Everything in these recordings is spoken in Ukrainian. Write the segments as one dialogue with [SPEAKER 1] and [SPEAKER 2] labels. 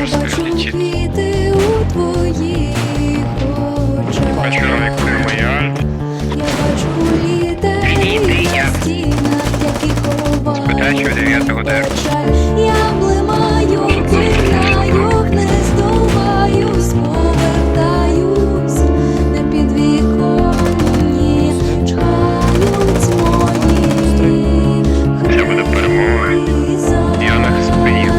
[SPEAKER 1] жорстко летит.
[SPEAKER 2] Квіти у твоїх очах.
[SPEAKER 3] Человек моя.
[SPEAKER 2] Я бачу літери на стінах, які ховають печаль. Я блимаю, кидаю, не здуваюсь, повертаюсь на підвіконні, чхають мої
[SPEAKER 3] Це буде перемога. Я на спині.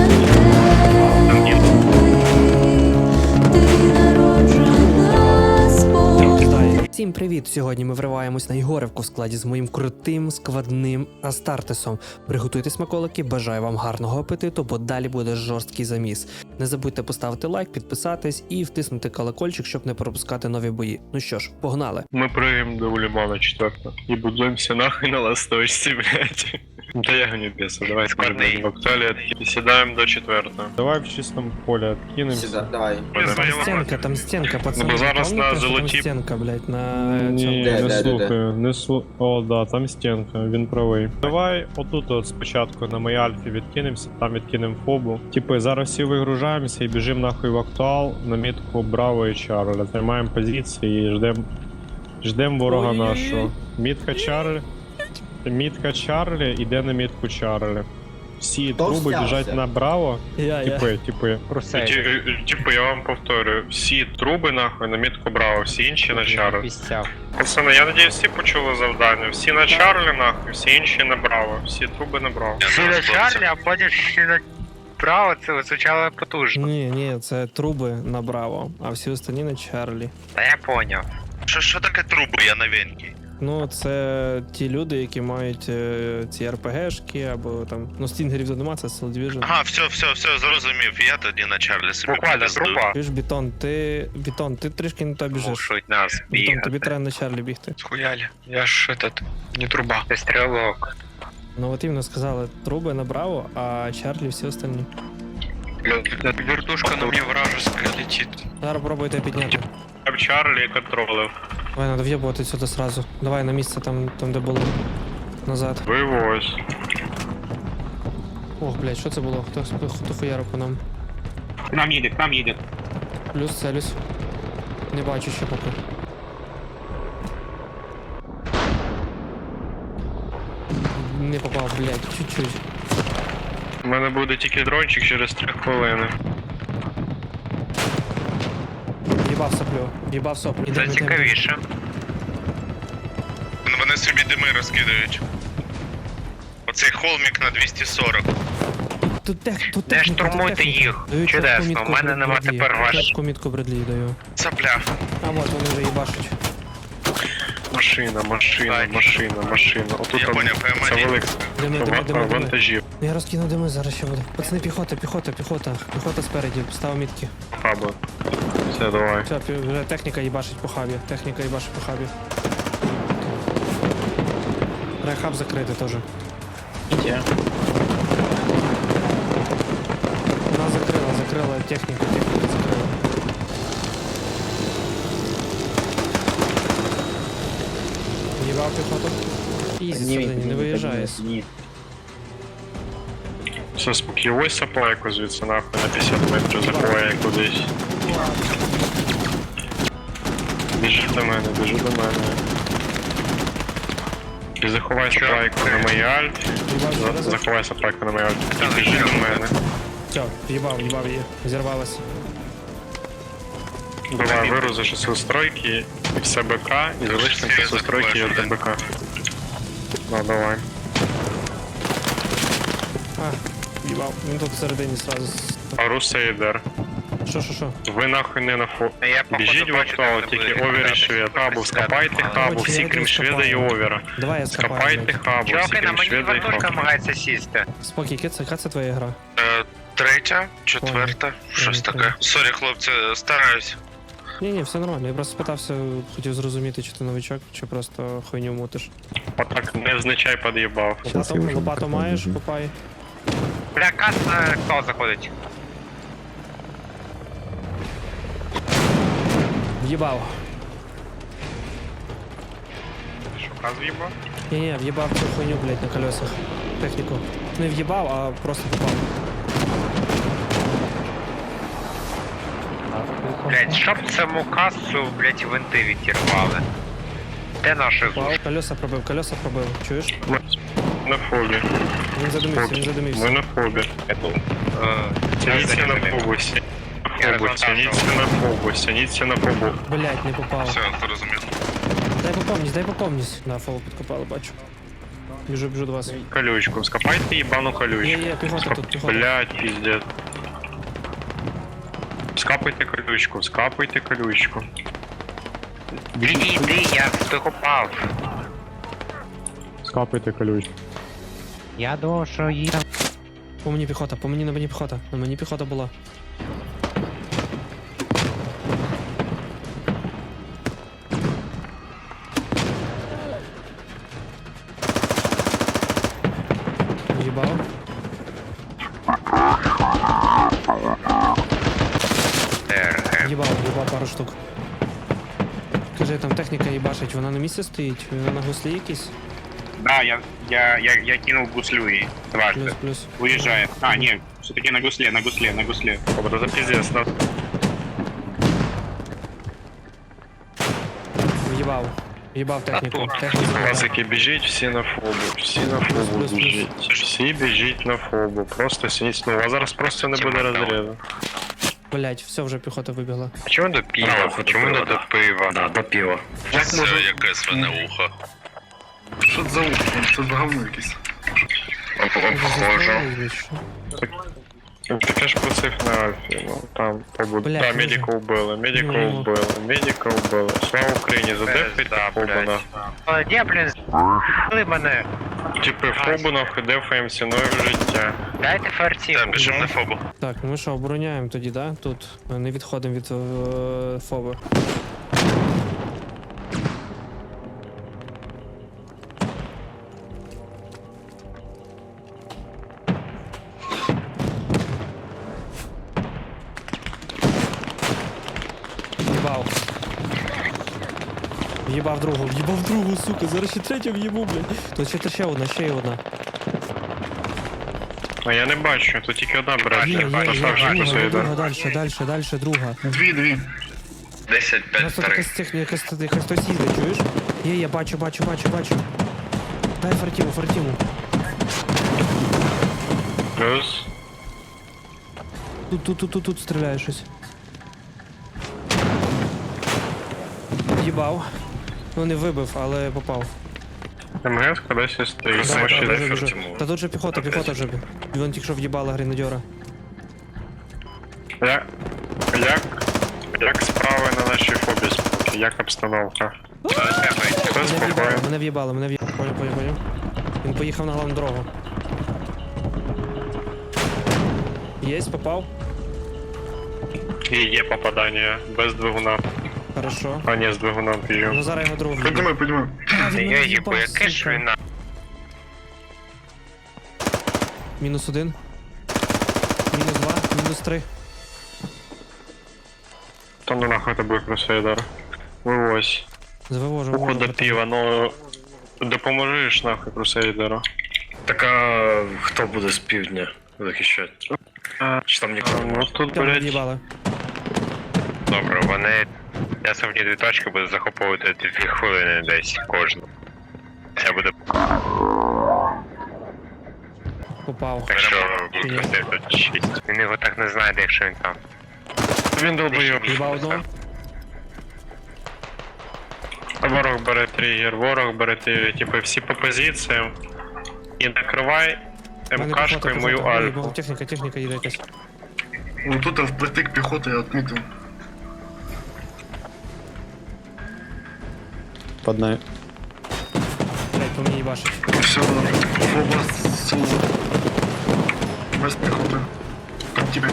[SPEAKER 2] Ти народжена спокій.
[SPEAKER 4] Всім привіт! Сьогодні ми вриваємось на Єгорівку в складі з моїм крутим складним Астартесом. Приготуйте смаколики, бажаю вам гарного апетиту, бо далі буде жорсткий заміс. Не забудьте поставити лайк, підписатись і втиснути колокольчик, щоб не пропускати нові бої. Ну що ж, погнали!
[SPEAKER 3] Мы прыгаем до Улимана 4 и будемся нахуй на ласточці, блядь. Да я гоню беса, давай складный. Вакталия и седаем до 4.
[SPEAKER 5] Давай в чистом поле откинемся.
[SPEAKER 6] Сюда, давай.
[SPEAKER 4] Там стінка, пацани.
[SPEAKER 3] Ну, зараз
[SPEAKER 4] Пам'ятаєте,
[SPEAKER 3] на
[SPEAKER 4] що там
[SPEAKER 3] золоті-
[SPEAKER 4] стінка, блядь, на
[SPEAKER 5] Ні,
[SPEAKER 4] цьому?
[SPEAKER 5] не
[SPEAKER 6] Де?
[SPEAKER 5] слухаю, не слухаю. О, да, там стінка, він правий. Давай отут от спочатку на моїй альфі відкинемося, там відкинемо фобу. Типи, зараз всі вигружаємося і біжимо нахуй в актуал на мітку Браво і Чарля. Займаємо позиції і ждем ворога
[SPEAKER 4] Ой-ой-ой.
[SPEAKER 5] нашого. Мітка Чарлі іде на мітку Чарлі. Всі
[SPEAKER 6] Хто
[SPEAKER 5] труби
[SPEAKER 6] взявся?
[SPEAKER 5] біжать направо.
[SPEAKER 4] Я.
[SPEAKER 5] Типи.
[SPEAKER 3] Типу, я вам повторю, всі труби нахуй на мітку Браво, всі інші на Чарлі. Пацани, я надіюсь, всі почули завдання. Всі на Чарлі нахуй, всі інші на Браво. Всі труби на Браво.
[SPEAKER 1] Всі на Чарлі, а потім ще на право, це звучало потужно.
[SPEAKER 4] Ні, це труби на Браво, а всі останні на Чарлі.
[SPEAKER 1] Та я поняв.
[SPEAKER 7] Що таке труби, я новенький?
[SPEAKER 4] Ну, це ті люди, які мають ці РПГшки, або там. Ну, стінгерів то нема, це Soul Division.
[SPEAKER 7] Ага, все, зрозумів. Я тоді на Чарлі собі
[SPEAKER 1] Буквально
[SPEAKER 7] підвезду.
[SPEAKER 1] труба.
[SPEAKER 4] Чуєш, Бетон, ти трішки не то біжиш.
[SPEAKER 1] Мушуть нас
[SPEAKER 4] Бетон, тобі
[SPEAKER 1] бігати.
[SPEAKER 4] треба на Чарлі бігти.
[SPEAKER 1] Схуяли. Я ж не труба. Це стрілок.
[SPEAKER 4] Ну от іменно сказали, труби на Браво, а Чарлі всі останні.
[SPEAKER 1] Вертушка на мне вражеская летит.
[SPEAKER 4] Зараз пробуйте підняти.
[SPEAKER 3] Я в Чарлі контролив.
[SPEAKER 4] Давай, надо в'єбувати сюди сразу. Давай на місце там де було. Назад.
[SPEAKER 3] Вивозь.
[SPEAKER 4] Ох, блядь, що це було? Хто хуярив по нам?
[SPEAKER 8] К нам едет.
[SPEAKER 4] Плюс целюсь. Не бачу ще поки. Не попав, блядь, чуть-чуть.
[SPEAKER 3] У мене буде тільки дрончик через 3 хвилини.
[SPEAKER 4] Їбав соплю, їбав соп.
[SPEAKER 1] Це цікавіше.
[SPEAKER 7] Вони собі дими розкидають. Оцей холмік на 240.
[SPEAKER 4] Тут
[SPEAKER 1] Не
[SPEAKER 4] техніка,
[SPEAKER 1] штурмуйте їх. Чудесно, у мене нема тепер ваш.
[SPEAKER 4] Чітку мітку Бредлі даю.
[SPEAKER 7] Цапля.
[SPEAKER 4] А от вони вже їбашуть.
[SPEAKER 3] Машина. Отут
[SPEAKER 7] Я
[SPEAKER 3] там
[SPEAKER 7] поняв,
[SPEAKER 3] це
[SPEAKER 7] ПМ1.
[SPEAKER 3] велик
[SPEAKER 4] Дими.
[SPEAKER 3] вантажів.
[SPEAKER 4] Я розкину дими, зараз ще буде. Пацани, піхота. Піхота спереді, став мітки.
[SPEAKER 3] Хаба. Все, давай.
[SPEAKER 4] Все, вже техніка їбашить по хабі. Треба хаб закрити теж. Вона закрила техніку закрила. Їбав піхоту. Ізі всередині, не виїжджає.
[SPEAKER 3] Все, спокійно. Ось саплайку звідси нахуй на 50 метрів заховає кудись. Біжи до мене. І заховай саплайку на моїй альфі. Заховай саплайку на моїй альфі. І біжи до мене.
[SPEAKER 4] Все, в'їбав її. Зірвалась.
[SPEAKER 3] Давай вирузиш усі стройки і все БК, і залишимо всі стройки і от БК. Ну, давай.
[SPEAKER 4] Їбав. Він тут всередині сразу.
[SPEAKER 3] Арусейдер.
[SPEAKER 4] Що?
[SPEAKER 3] Ви нахуй не на фо...
[SPEAKER 1] Я, походу,
[SPEAKER 3] Біжіть в
[SPEAKER 1] бачу,
[SPEAKER 3] актуал,
[SPEAKER 1] там
[SPEAKER 3] тільки
[SPEAKER 1] буде
[SPEAKER 3] овер і
[SPEAKER 1] грати.
[SPEAKER 3] швед. Хабу, скопайте хабу,
[SPEAKER 4] Короче,
[SPEAKER 3] всі
[SPEAKER 4] я
[SPEAKER 3] крім
[SPEAKER 4] йду
[SPEAKER 3] шведа і
[SPEAKER 4] скопаю.
[SPEAKER 3] овера.
[SPEAKER 4] Давай я скопаю.
[SPEAKER 3] Скопайте хабу, всі
[SPEAKER 1] Чуваки, на
[SPEAKER 3] крім
[SPEAKER 1] мені
[SPEAKER 3] шведа і
[SPEAKER 1] вертушка
[SPEAKER 3] хабу.
[SPEAKER 1] намагається сісти.
[SPEAKER 4] Спокій, яка це твоя гра?
[SPEAKER 7] Третя, четверта, щось таке. Сорі, хлопці, стараюсь.
[SPEAKER 4] Ні, все нормально. Я просто спитався, хотів зрозуміти, чи ти новичок, чи просто хуйню мутиш.
[SPEAKER 3] Отак невзначай під'їбав.
[SPEAKER 4] Лопату маєш, копай.
[SPEAKER 1] Бля, кас, хто заходить?
[SPEAKER 4] В'їбав.
[SPEAKER 3] Що, каз в'їбав?
[SPEAKER 4] Ні, в'їбав цю хуйню, блядь, на колесах. Техніку. Не в'їбав, а просто попав.
[SPEAKER 1] Блять, щоб саму касу, блять, винти відірвали. Де наші
[SPEAKER 4] Попав, колеса пробив, чуєш?
[SPEAKER 3] На фобі.
[SPEAKER 4] Він задумився.
[SPEAKER 3] Ми на фобі. Тяніться на фобу, тяніться на фобу.
[SPEAKER 4] Блять, не попав.
[SPEAKER 7] Все, зрозумів.
[SPEAKER 4] Дай попомність. Да, фол підкопали, бачу. Біжу до вас.
[SPEAKER 3] Колючку, скопайте ебану колючку.
[SPEAKER 4] Є, піхота тут, піхота.
[SPEAKER 3] Блять, пиздец. Скапайте колючку.
[SPEAKER 1] Іди, я докопав.
[SPEAKER 5] Скапайте колючку.
[SPEAKER 4] По мені піхота, на мені піхота. На мені піхота була. Їбав. Їбав пару штук. Кажи, там техніка їбашить, вона на місці стоїть? Вона на гуслі якісь?
[SPEAKER 8] Да, я кинул гуслю и дважды.
[SPEAKER 4] Плюс.
[SPEAKER 8] Уезжает. А, нет, все-таки на гусле.
[SPEAKER 3] Обра за пиздец, на.
[SPEAKER 4] Їбав техніку.
[SPEAKER 3] Пацики, біжіть всі на фобу,
[SPEAKER 4] Плюс.
[SPEAKER 3] біжіть. Всі біжіть на фобу, просто сініть. Ну, у вас зараз просто не буде розрізу.
[SPEAKER 4] Блять, все, вже піхота вибігла.
[SPEAKER 1] А чому до пива? Чому не до пива?
[SPEAKER 6] Да, до пива.
[SPEAKER 7] Це яке свине ухо.
[SPEAKER 6] Що це за ухо? Що за говно якесь?
[SPEAKER 1] Обхожу.
[SPEAKER 3] Таке ж просив на Альфі, ну там побуду.
[SPEAKER 4] Бля,
[SPEAKER 3] Да,
[SPEAKER 4] дуже.
[SPEAKER 3] медика вбили.
[SPEAKER 4] Ну.
[SPEAKER 3] Слава Україні, задефайте фобу на.
[SPEAKER 1] Де, блін, з**ли мене?
[SPEAKER 3] Типи фобу нахуй дефаєм ціною життя.
[SPEAKER 1] Дайте фартів.
[SPEAKER 7] Та, біжим на фобу.
[SPEAKER 4] Так, ну ми що, обороняємо тоді, да? Тут не відходимо від фоби. В'їбав другу, сука, зараз ще третю в'їбу, блядь. Тут ще одна.
[SPEAKER 3] А я не бачу, тут тільки одна бере.
[SPEAKER 4] Дальше, друга.
[SPEAKER 6] Дві.
[SPEAKER 7] 10,
[SPEAKER 4] У нас
[SPEAKER 7] 5,
[SPEAKER 4] тут
[SPEAKER 7] 3.
[SPEAKER 4] якась техніка, якась хтось їде, чуєш? Є, бачу. Дай фартіму.
[SPEAKER 3] Плюс.
[SPEAKER 4] Тут стріляє щось. Їбав. Ну не вибив, але попав.
[SPEAKER 3] МГС кудись стоїть.
[SPEAKER 4] Да,
[SPEAKER 3] Тому що
[SPEAKER 4] да,
[SPEAKER 3] йде
[SPEAKER 4] біжу.
[SPEAKER 7] Тимур.
[SPEAKER 4] Та тут же піхота вже. Він тільки що в'їбала гренадьора.
[SPEAKER 3] Як справи на нашій фобі? Як обстановка? Все спокійно.
[SPEAKER 4] Мене в'їбали. Поняв. Він поїхав на головну дорогу. Єсть, попав.
[SPEAKER 3] І є попадання без двигуна.
[SPEAKER 4] Хорошо.
[SPEAKER 3] А ні, з двигуном б'ю.
[SPEAKER 4] Ну зараз його другу в'їбав.
[SPEAKER 6] Піднімай.
[SPEAKER 1] Я їбу, яке ж він на...
[SPEAKER 4] Мінус 1. Мінус 2. Мінус 3.
[SPEAKER 3] То ну нахуй тебе крусейдер. Вивозь.
[SPEAKER 4] Завивожу.
[SPEAKER 3] Уху до пива, ну... Допоможеш нахуй крусейдеру.
[SPEAKER 6] Так а хто буде з півдня захищати? Чи там нікого
[SPEAKER 3] Ну
[SPEAKER 6] немає?
[SPEAKER 3] тут,
[SPEAKER 4] Там
[SPEAKER 3] блядь...
[SPEAKER 4] в'їбали.
[SPEAKER 1] Добре, вони... Я сьогодні 2 точки буду захоплювати 2 хвилини десь кожну. Це буде...
[SPEAKER 4] Попав.
[SPEAKER 1] Так що випустив тут 6. Він його так не знайде, якщо він там.
[SPEAKER 3] Він долбойоб.
[SPEAKER 4] В'їбав одного.
[SPEAKER 3] Ворог бере тригер, типу всі по позиціям. І накривай МКшкою мою альфу.
[SPEAKER 4] Техніка їде якась.
[SPEAKER 6] Ну тут впритик піхоти я відмітив.
[SPEAKER 5] Поднай.
[SPEAKER 4] Блять, по мені їбашить.
[SPEAKER 6] Все, фоба сила. Без піхоти. Там тебе.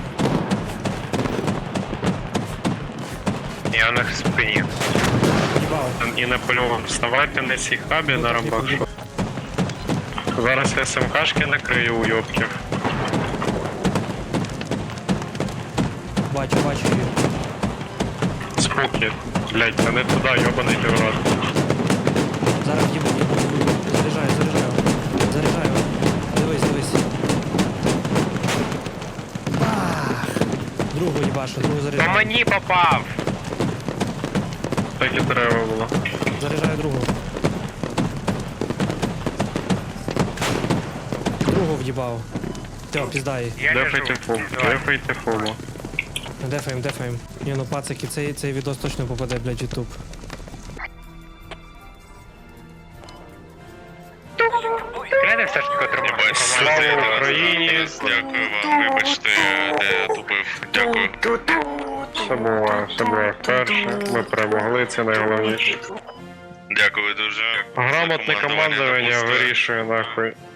[SPEAKER 1] Я на спині.
[SPEAKER 4] Їбав.
[SPEAKER 3] І Наполеон, вставайте на цій хабі на рамбашу. Зараз я СМКшки накрию уйобків.
[SPEAKER 4] Бачу її.
[SPEAKER 3] Споки. Блять, та не туди, йобаний ти в рот.
[SPEAKER 4] Зараз їбу. Заряджаю. Дивись. Ах. Другу їбашу, другу
[SPEAKER 1] По
[SPEAKER 4] заряджаю.
[SPEAKER 1] мені попав!
[SPEAKER 3] Так і треба було.
[SPEAKER 4] Заряджаю другу. Другу в'їбав. Все, піздай.
[SPEAKER 1] Я
[SPEAKER 3] Дефайте фул, дефайте фулу.
[SPEAKER 4] Дефаєм, дефаєм. Ні, ну пацики, цей відос точно попаде, блядь, в ютуб.
[SPEAKER 1] Кляне все ж таки отримав.
[SPEAKER 3] Слава Україні!
[SPEAKER 7] Дякую вам, вибачте, де я тупив. Дякую.
[SPEAKER 3] Все було вперше. Ми перемогли, це найголовніше.
[SPEAKER 7] Дякую дуже.
[SPEAKER 3] Грамотне командування
[SPEAKER 7] допустили.
[SPEAKER 3] вирішує нахуй.